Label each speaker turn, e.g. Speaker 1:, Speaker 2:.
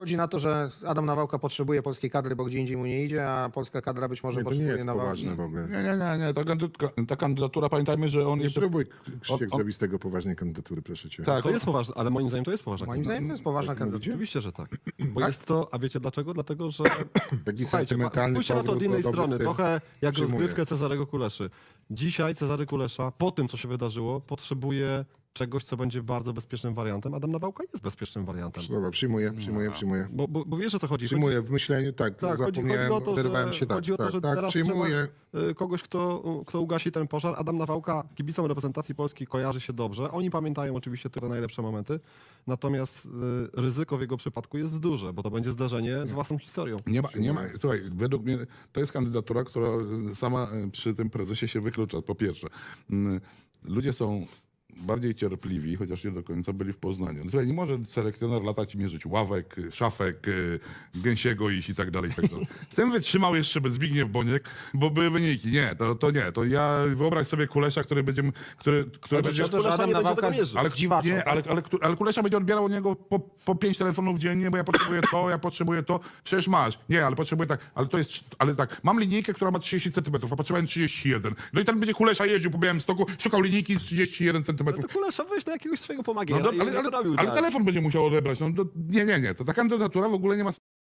Speaker 1: Chodzi na to, że Adam Nawałka potrzebuje polskiej kadry, bo gdzie indziej mu nie idzie, a polska kadra być może
Speaker 2: Nie, to nie
Speaker 1: potrzebuje
Speaker 2: jest
Speaker 1: Nawałki.
Speaker 2: poważne w ogóle.
Speaker 3: Nie. Ta kandydatura, pamiętajmy, że on
Speaker 2: Nie
Speaker 3: jeszcze...
Speaker 2: próbuj, Krzysiek, zrobić z tego poważnej kandydatury, proszę cię.
Speaker 3: Tak,
Speaker 4: To jest poważne, ale moim zdaniem to jest poważna
Speaker 1: Moim zdaniem to jest poważna kandydatura.
Speaker 4: Oczywiście, że tak. Bo jest to, a wiecie dlaczego? Dlatego, że
Speaker 2: Taki
Speaker 4: słuchajcie,
Speaker 2: sentymentalny
Speaker 4: spójrzcie na to od
Speaker 2: powrót
Speaker 4: innej
Speaker 2: do
Speaker 4: strony,
Speaker 2: dobrych
Speaker 4: trochę jak
Speaker 2: przyjmuję.
Speaker 4: rozgrywkę Cezarego Kuleszy. Dzisiaj Cezary Kulesza, po tym co się wydarzyło, potrzebuje czegoś, co będzie bardzo bezpiecznym wariantem. Adam Nawałka jest bezpiecznym wariantem.
Speaker 2: Dobra, przyjmuję.
Speaker 4: Bo wiesz o co chodzi.
Speaker 2: Przyjmuję w myśleniu, tak,
Speaker 4: Tak,
Speaker 2: zapomniałem,
Speaker 4: chodzi o to,
Speaker 2: oderwałem się, tak,
Speaker 4: chodzi o to, że
Speaker 2: tak,
Speaker 4: teraz
Speaker 2: przyjmuję.
Speaker 4: trzeba kogoś, kto ugasi ten pożar. Adam Nawałka kibicom reprezentacji Polski kojarzy się dobrze. Oni pamiętają oczywiście te najlepsze momenty, natomiast ryzyko w jego przypadku jest duże, bo to będzie zdarzenie z własną historią.
Speaker 3: Nie ma, słuchaj, według mnie to jest kandydatura, która sama przy tym prezesie się wyklucza, po pierwsze. Ludzie są bardziej cierpliwi, chociaż nie do końca byli w Poznaniu. Słuchaj, nie może selekcjoner latać i mierzyć ławek, szafek, gęsiego iść i tak dalej. Z tym wytrzymał jeszcze Zbigniew Boniek, bo były wyniki. Nie, to nie. To ja wyobraź sobie Kulesza, który będzie... który będzie...
Speaker 1: o to, że
Speaker 4: Kulesza
Speaker 1: Adam
Speaker 4: nie będzie
Speaker 1: Nawałka
Speaker 4: tego mierzył.
Speaker 1: ale dziwaczo.
Speaker 3: Nie, ale Kulesza będzie odbierał od niego po 5 telefonów dziennie, bo ja potrzebuję to. Przecież masz. Nie, ale potrzebuję tak. Ale tak, mam linijkę, która ma 30 cm, a potrzebowałem 31. No i ten będzie Kulesza jeździł po Białymstoku, szukał linijki z 31 cm.
Speaker 4: No to Kulesza weź do jakiegoś swojego pomagiera
Speaker 3: No,
Speaker 4: i to robił,
Speaker 3: ale
Speaker 4: tak.
Speaker 3: telefon będzie musiał odebrać. No, nie. To ta kandydatura w ogóle nie ma